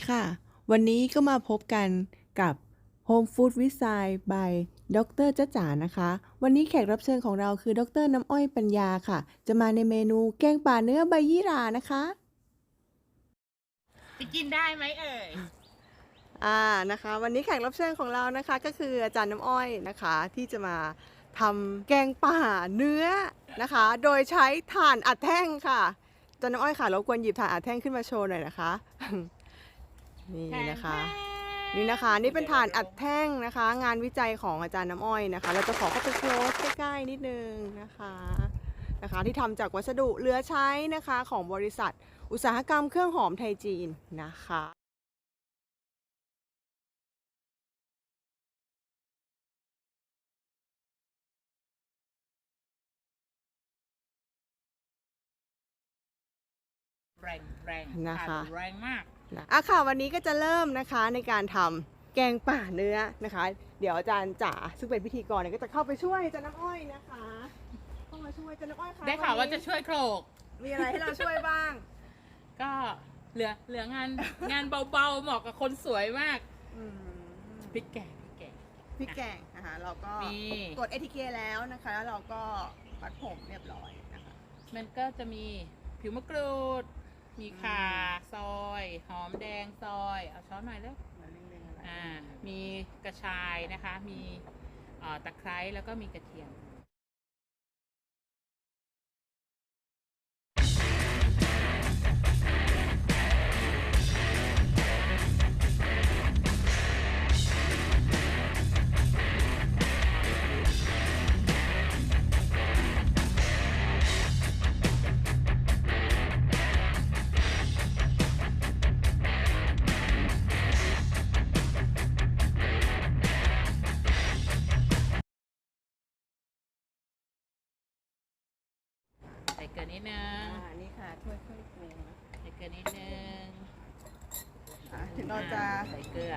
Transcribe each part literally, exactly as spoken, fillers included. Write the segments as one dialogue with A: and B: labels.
A: ค่ะวันนี้ก็มาพบกันกับ Home Food with Sai by ดรจ๊ะจ๋านะคะวันนี้แขกรับเชิญของเราคือดรน้ำอ้อยปัญญาค่ะจะมาในเมนูแกงป่าเนื้อใบยี่หร่านะคะ
B: จะกินได้ไหมเอ่ย
A: อ่านะคะวันนี้แขกรับเชิญของเรานะคะก็คืออาจารย์น้ำอ้อยนะคะที่จะมาทำแกงป่าเนื้อนะคะโดยใช้ถ่านอัดแท่งค่ะอาจารย์น้ำอ้อยค่ะรบกวนหยิบถ่านอัดแท่งขึ้นมาโชว์หน่อยนะคะนี่นะคะนี่นะคะนี่เป็นถ่านอัดแท่งนะคะงานวิจัยของอาจารย์น้ำอ้อยนะคะเราจะขอเข้าไปโคลสใกล้ๆนิดนึงนะคะนะคะที่ทำจากวัสดุเหลือใช้นะคะของบริษัทอุตสาหกรรมเครื่องหอมไทยจีนนะคะ
B: แรงแรง
A: นะคะ
B: แรงมาก
A: อ่ะค่ะวันนี้ก็จะเริ่มนะคะในการทำแกงป่าเนื้อนะคะเดี๋ยวอาจารย์จ๋าซึ่งเป็นพิธีกรเนี่ยก็จะเข้าไปช่วยอาจารย์น้ำอ้อยนะคะเข้ามาช่วยอาจารย์น้ำอ้อยค่ะ
B: ได้ข่าวว่าจะช่วยโครก
A: มีอะไรให้เราช่วยบ้าง
B: ก็เหลือเหลืองานงานเบาๆเหมาะกับคนสวยมากพริกแกงพริกแกง
A: พริกแกงนะคะเราก็ตรวจ เอ ที เค แล้วนะคะแล้วเราก็ปัดผมเรียบร้อยนะคะ
B: มันก็จะมีผิวมะกรูดมีข่าซอยหอมแดงซอยเอาช้อนหน่อยแล้วอ่ามีกระชายนะคะมีตะไคร้แล้วก็มีกระเทียมใส่เกลือนิดนึง
A: อ่านี่ค่ะช่วยช่วยปรุง
B: ใส่เกลือนิดนึง
A: ถึงเราจะ
B: ใส่เกลือ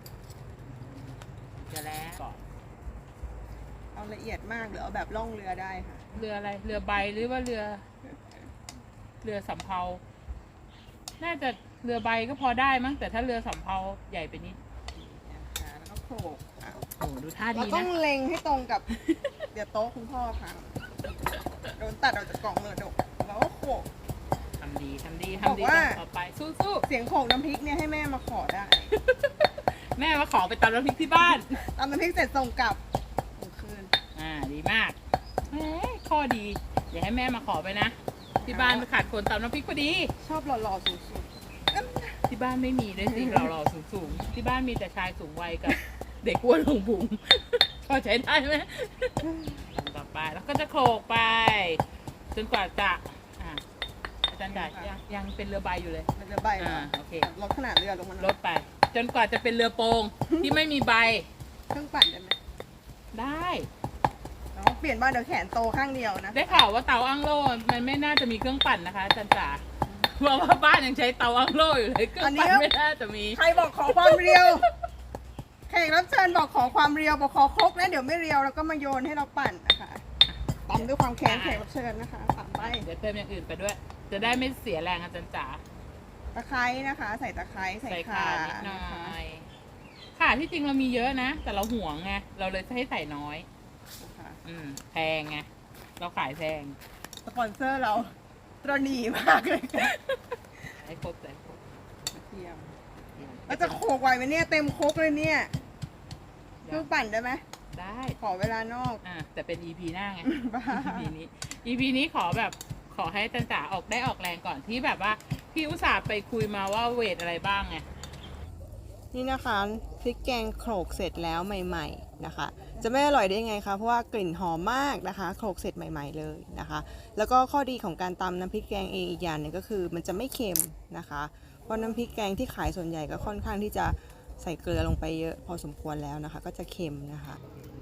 B: เกลือแล้วก่อน
A: เอาละเอียดมากหรือเอาแบบล่องเรือได้ค่ะ
B: เรืออะไรเรือใบหรือว่าเรือเรือสำเภาน่าจะเรือใบก็พอได้มั้งแต่ถ้าเรือสำเภาใหญ่ไปนิด
A: แล้วก็โขลก
B: โอ้ดูท่าดีนะ
A: เราต้องเล็งให้ตรงกับเดี๋ยวโต๊ะคุณพ่อค่ะโดนตัดออกจากกล่องเลยดกแล้วก็โขลก
B: ทำดีทำดีทำดีต่อไปสู้
A: ๆเสียงโขลกน้ำพริกเนี่ยให้แม่มาขอได้
B: แม่มาขอไปตำน้ำพริกที่บ้าน
A: ตำน้ำพริกเสร็จส่งกลับคืน
B: อ่าดีมากแหมข้อดีเดี๋ยวให้แม่มาขอไปนะที่บ้านขาดคนตำน้ำพริกพอดี
A: ชอบหล่อๆสูง
B: ๆที่บ้านไม่มีเลยสิหล่อๆสูงๆที่บ้านมีแต่ชายสูงวัยกับเด็กอ้วนหงบุ๋งพอใช้ได้ไหมต่อไปแล้วก็จะโขลกไปจนกว่าจะอ่าอาจารย์จ่ายังยังเป็นเรือใบอยู่เลย
A: มันจะใบอ่า
B: โอเค
A: ลดขนาดเรือลงมา
B: ลดไปจนกว่าจะเป็นเรือโปงที่ไม่มีใบ
A: เครื่องปั่นได้ไหม
B: ได้
A: เปลี่ยนบ้านเดี๋ยวแขนโตข้างเดียวนะ
B: ได้ข่าวว่าเตาอั้งโล่มันไม่น่าจะมีเครื่องปั่นนะคะอาจารย์จ๋าเพราะว่าบ้านยังใช้เตาอั้งโล่อยู่เลยเครื่องปั่นไม่น่าจะมี
A: ใครบอกขอความเรียวแขกรับเชิญบอกขอความเรียวบอกขอครกนะเดี๋ยวไม่เรียวแล้วก็มาโยนให้เราปั่นนะคะตำด้วยความแข็งแขกรับเชิญนะคะตำไป
B: เดี๋ยวเติมอย่างอื่นไปด้วย จะได้ไม่เสียแรงอาจารย์จ๋า
A: ตะไคร้นะคะใส่ตะไคร้ใส่ข่า
B: นิดหน่อยข่าที่จริงเรามีเยอะนะแต่เราห่วงไงเราเลยให้ใส่น้อยอืมแพงไงเราขายแพง
A: สปอนเซอร์เราตระหนี่มากเลย
B: ไอ้ครบเลย
A: เทียมแล้วจะโขกไหวไหมเนี่ยเต็มโคกเลยเนี่ยคือปั่นได้ไหม
B: ได้
A: ขอเวลานอก
B: อ่าแต่เป็น อี พี หน้าไง อี พี นี้ อี พี นี้ขอแบบขอให้จันจ๋าออกได้ออกแรงก่อนที่แบบว่าพี่อุตส่าห์ไปคุยมาว่าเวทอะไรบ้างไง
A: นี่นะคะพริกแกงโขลกเสร็จแล้วใหม่ๆนะคะจะไม่อร่อยได้ยังไงคะเพราะว่ากลิ่นหอมมากนะคะโขลกเสร็จใหม่ๆเลยนะคะแล้วก็ข้อดีของการตำน้ำพริกแกงเองอีกอย่างหนึ่งก็คือมันจะไม่เค็มนะคะเพราะน้ำพริกแกงที่ขายส่วนใหญ่ก็ค่อนข้างที่จะใส่เกลือลงไปเยอะพอสมควรแล้วนะคะก็จะเค็มนะคะ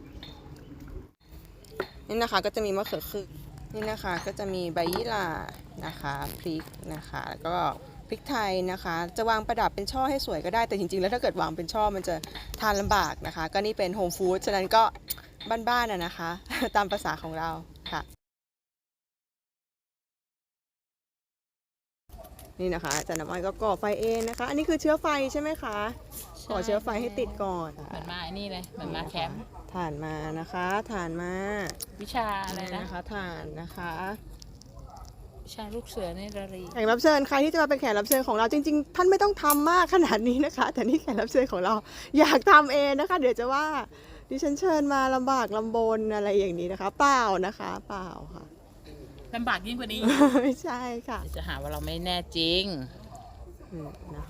A: นี่นะคะก็จะมีมะเขือคือนี่นะคะก็จะมีใบยี่หร่านะคะพริกนะคะแล้วก็พริกไทยนะคะจะวางประดับเป็นช่อให้สวยก็ได้แต่จริงๆแล้วถ้าเกิดวางเป็นช่อมันจะทานลำบากนะคะก็นี่เป็นโฮมฟู้ดฉะนั้นก็บ้านๆน่ะนะคะตามภาษาของเราค่ะนี่นะคะอาจารย์น้ำอ้อยก็ก่อไฟเองนะคะ อันนี้คือเชื้อไฟใช่ไหมคะก่อเชื้อไฟให้ติดก่อน
B: เหมือนมาไอ้นี่เลยเหมือนมาแคมป์
A: ถ่านมานะคะถ่านมา
B: วิชาอะไรนะ
A: นะคะถ่านนะคะ
B: วิชาลูกเสือในระรี
A: แขกรับเชิญใครที่จะมาเป็นแขกรับเชิญของเราจริงๆท่านไม่ต้องทำมากขนาดนี้นะคะ แต่นี่แขกรับเชิญของเราอยากทำเองนะคะ เดี๋ยวจะว่าดิฉันเชิญมาลำบากลำบนอะไรอย่างนี้นะคะ เปล่านะคะเปล่าค่ะ
B: ลำบากยิ่งกว่านี้
A: ไม่ใช่ค่ะ
B: จะหาว่าเราไม่แน่จริง
A: อืมนะคะ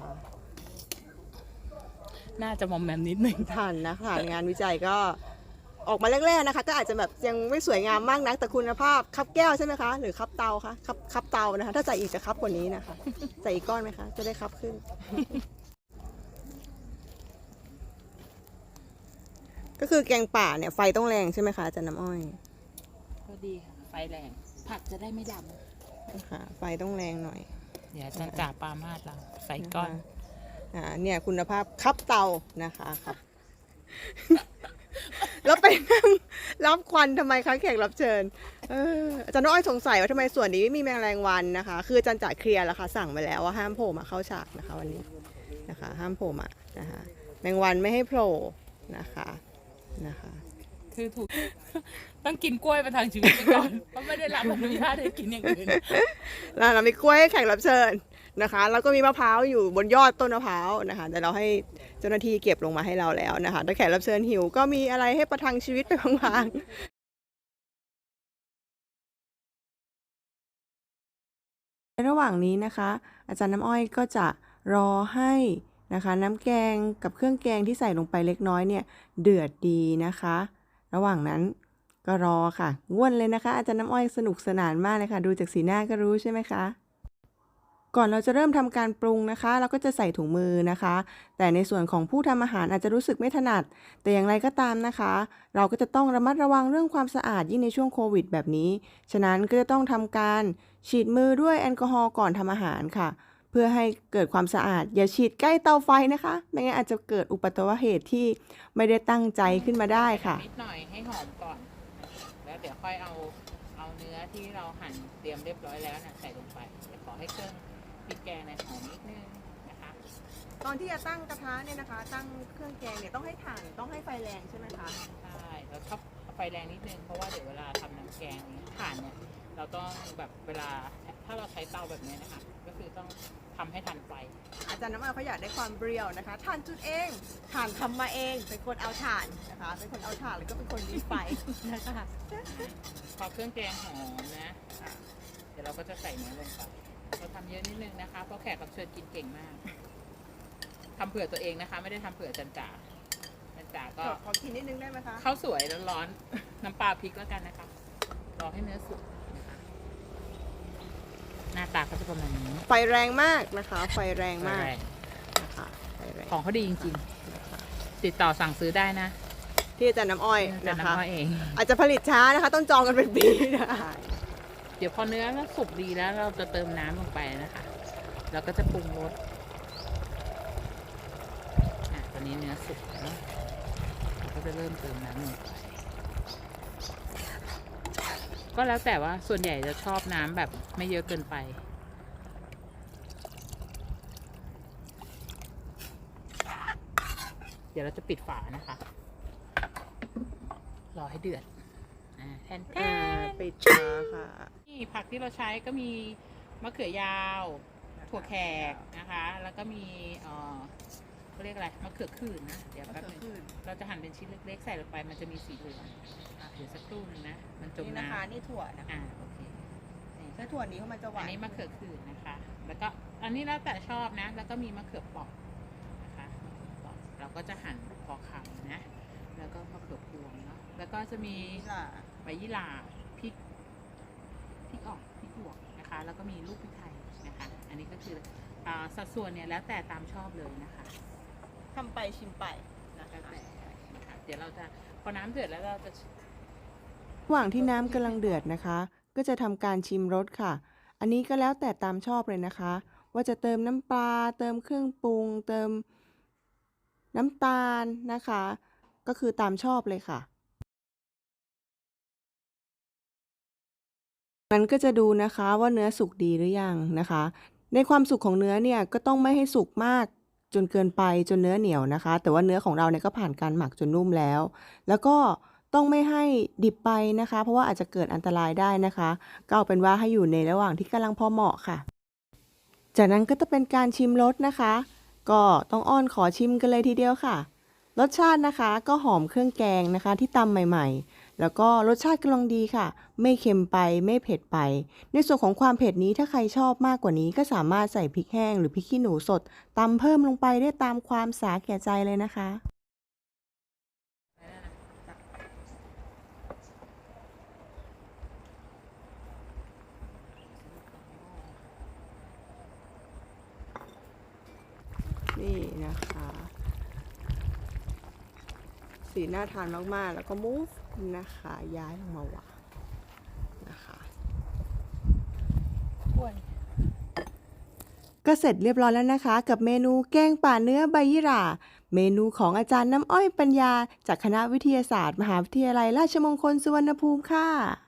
B: น่าจะมอมแมมนิดหนึ่ง
A: ถ่านนะคะงานวิจัยก็ออกมาแรกๆนะคะ ก็อาจจะแบบยังไม่สวยงามมากนักแต่คุณภาพคับแก้วใช่ไหมคะหรือคับเตาคะคับคับเตานะคะถ้าใส่อีกจะคับกว่านี้นะคะใส่อีกก้อนไหมคะจะได้คับขึ้น ก็คือแกงป่าเนี่ยไฟต้องแรงใช่ไหมคะอาจารย์น้ำอ้อย
B: ก็ดีค่ะไฟแรง ผักจะได้ไม่ด
A: นะคะไฟต้องแรงหน่อย
B: ำเดี๋ยวจันจ่าปลามาดเราใส่ก้อน
A: นะคะอ่าเนี่ยคุณภาพคับเตานะคะครับ แล้วไปนั่งรับควันทำไมคะแขกรับเชิญเอออาจารย์น้อยสงสัยว่าทำไมส่วนนี้ไม่มีแมลงวันนะคะ คืออาจารย์จ่ายเคลียร์แล้วค่ะสั่งไปแล้วว่าห้ามโผล่มาเข้าฉากนะคะวันนี้นะคะ ห้ามโผล่มานะคะแมงวันไม่ให้โผล่นะคะนะคะ
B: คือถูก ต้องกินกล้วยประทังชีวิตไปก่อน เพราะไม่ได้รับอนุญาตให้กินอย่างอื่น
A: แล้วเรามีกล้วยให้แขกรับเชิญนะคะแล้วก็มีมะพร้าวอยู่บนยอดต้นมะพร้าวนะคะแต่เราให้เจ้าหน้าที่เก็บลงมาให้เราแล้วนะคะถ้าแขกรับเชิญหิวก็มีอะไรให้ประทังชีวิตไปพลางๆในระหว่างนี้นะคะ อาจารย์น้ำอ้อยก็จะรอให้นะคะน้ำแกงกับเครื่องแกงที่ใส่ลงไปเล็กน้อยเนี่ยเดือดดีนะคะ ระหว่างนั้นก็รอค่ะง่วนเลยนะคะอาจารย์น้ำอ้อยสนุกสนานมากเลยค่ะดูจากสีหน้าก็รู้ใช่ไหมคะก่อนเราจะเริ่มทำการปรุงนะคะเราก็จะใส่ถุงมือนะคะ แต่ในส่วนของผู้ทำอาหารอาจจะรู้สึกไม่ถนัด แต่อย่างไรก็ตามนะคะ เราก็จะต้องระมัดระวังเรื่องความสะอาดยิ่งในช่วงโควิดแบบนี้ฉะนั้นก็จะต้องทำการฉีดมือด้วยแอลกอฮอล์ก่อนทำอาหารค่ะ เพื่อให้เกิดความสะอาดอย่าฉีดใกล้เตาไฟนะคะไม่งั้นอาจจะเกิดอุบัติเหตุที่ไม่ได้ตั้งใจขึ้นมาได้ค่ะ
B: นิดหน่อยให้หอมก่อน แล้วเดี๋ยวค่อยเอาเอาเนื้อที่เราหั่นเตรียมเรียบร้อยแล้วนะใส่ลงไปเดี๋ยวขอให้เครื่องพริกแกงในยหอมนิดนึงนะคะ
A: ตอนที่จะตั้งกระทะเนี่ยนะคะ ตั้งเครื่องแกงเนี่ยต้องให้ถ่านต้องให้ไฟแรงใช่ไหมคะ
B: ใช่แล้วชอบไฟแรงนิดนึงเพราะว่าเดี๋ยวเวลาทำน้ำแกงเนี่ยถ่านเนี่ยเราต้องแบบเวลาถ้าเราใช้เตาแบบนี้นะคะก็คือต้องทำให้ทันไฟ
A: อาจารย์น้ำอ้อยเขาอยากได้ความเปรี้ยวนะคะถ่านจุดเองถ่านทำมาเองเป็นคนเอาถ่านนะคะเป็นคนเอาถ่านแล้วก็เป็นคนรีไฟนะคะ
B: พอเครื่องแกงหอมนะอ่ะเดี๋ยวเราก็จะใส่เนื้อลงไปเราทำเยอะนิดนึงนะคะเพราะแขกรับเชิญกินเก่งมากทำเผื่อตัวเองนะคะ ไม่ได้ทำเผื่อจันจ่าจันจ่าก็
A: ขอขอกินนิดนึงได้ไหมคะ
B: ข้าวสวยร้อนๆ น้ำปลาพริกแล้วกันนะคะ รอให้เนื้อสุกนะคะ หน้าตาเขาจะประมาณนี้
A: ไฟแรงมากนะคะ ไฟแรงมาก
B: แรง
A: นะคะไฟแรง
B: ของเขาดีจริงๆ ติดต่อสั่งซื้อได้นะ
A: ที่อาจารย์น้ำอ้อย
B: จะ
A: นะ
B: นำ
A: คะ
B: มาเอง
A: อาจจะผลิตช้านะคะ ต้องจองกันเป็นปีนะคะ
B: เดี๋ยวพอเนื้อมันสุกดีแล้วเราจะเติมน้ำลงไปนะคะ แล้วก็จะปรุงรสอ่ะตอนนี้เนื้อสุกแล้วเราก็จะเริ่มเติมน้ำลงไป ก็แล้วแต่ว่าส่วนใหญ่จะชอบน้ำแบบไม่เยอะเกินไป เดี๋ยวเราจะปิดฝานะคะ รอให้เดือดอ่าแทนแท
A: อ่าน ปิดช้าค่ะ
B: นี่ผักที่เราใช้ก็มีมะเขือยาว ถั่วแขกนะคะ แล้วก็มีเอ่อเขาเรียกอะไรมะเขือขื่นนะ เดี๋ยวแป๊บนึงเราจะหั่นเป็นชิ้นเล็กๆใส่ลงไปมันจะมีสีเหลืองอ่ะเดี๋ยวสักครู่หนึงนะ มันจม
A: นี่นะคะ
B: น้ำ
A: นี่ถั่วนะคะ
B: อ่าโอเคนี่
A: ถ้าถั่วนี้เขามันจะห
B: อั
A: วาน น
B: นี้มะเขือขื่นนะคะ แล้วก็อันนี้แล้วแต่ชอบนะ แล้วก็มีมะเขือเปอกนะคะมะเขือเปอกเราก็จะหั่นพอคำนะ แล้วก็มะเขือพวงเนาะ แล้วก็จะมี
A: นี่ล่ะ
B: ใบยี่หร่าพริกพริกออกพริกหยวกนะคะ แล้วก็มีลูกพริกไทยนะคะ อันนี้ก็คืออ่าสัดส่วนเนี่ยแล้วแต่ตามชอบเลยนะคะ
A: ทำไปชิมไปนะ
B: แล้ว
A: คะ
B: แต่นะคะเดี๋ยวเราจะพอน้ำเดือดแล้วเราจะ
A: ระหว่างที่น้ำกำลังเดือดนะคะ ก็จะทำการชิมรสค่ะ อันนี้ก็แล้วแต่ตามชอบเลยนะคะ ว่าจะเติมน้ำปลาเติมเครื่องปรุง เติมน้ำตาลนะคะ ก็คือตามชอบเลยค่ะมันก็จะดูนะคะว่าเนื้อสุกดีหรือยังนะคะในความสุกของเนื้อเนี่ยก็ต้องไม่ให้สุกมากจนเกินไปจนเนื้อเหนียวนะคะ แต่ว่าเนื้อของเราเนี่ยก็ผ่านการหมักจนนุ่มแล้ว แล้วก็ต้องไม่ให้ดิบไปนะคะ เพราะว่าอาจจะเกิดอันตรายได้นะคะก็เอาเป็นว่าให้อยู่ในระหว่างที่กำลังพอเหมาะค่ะ จากนั้นก็จะเป็นการชิมรสนะคะ ก็ต้องอ้อนขอชิมกันเลยทีเดียวค่ะ รสชาตินะคะก็หอมเครื่องแกงนะคะที่ตำใหม่ๆ แล้วก็รสชาติกำลังดีค่ะ ไม่เค็มไปไม่เผ็ดไป ในส่วนของความเผ็ดนี้ถ้าใครชอบมากกว่านี้ก็สามารถใส่พริกแห้งหรือพริกขี้หนูสดตำเพิ่มลงไปได้ตามความสาแก่ใจเลยนะคะ นี่นะคะ สีน่าทานมากๆ แล้วก็มูฟนะคะย้ายลงมาวางนะคะ ก็เสร็จเรียบร้อยแล้วนะคะ กับเมนูแกงป่าเนื้อใบยี่หร่าเมนูของอาจารย์น้ำอ้อยปัญญาจากคณะวิทยาศาสตร์มหาวิทยาลัยราชมงคลสุวรรณภูมิค่ะ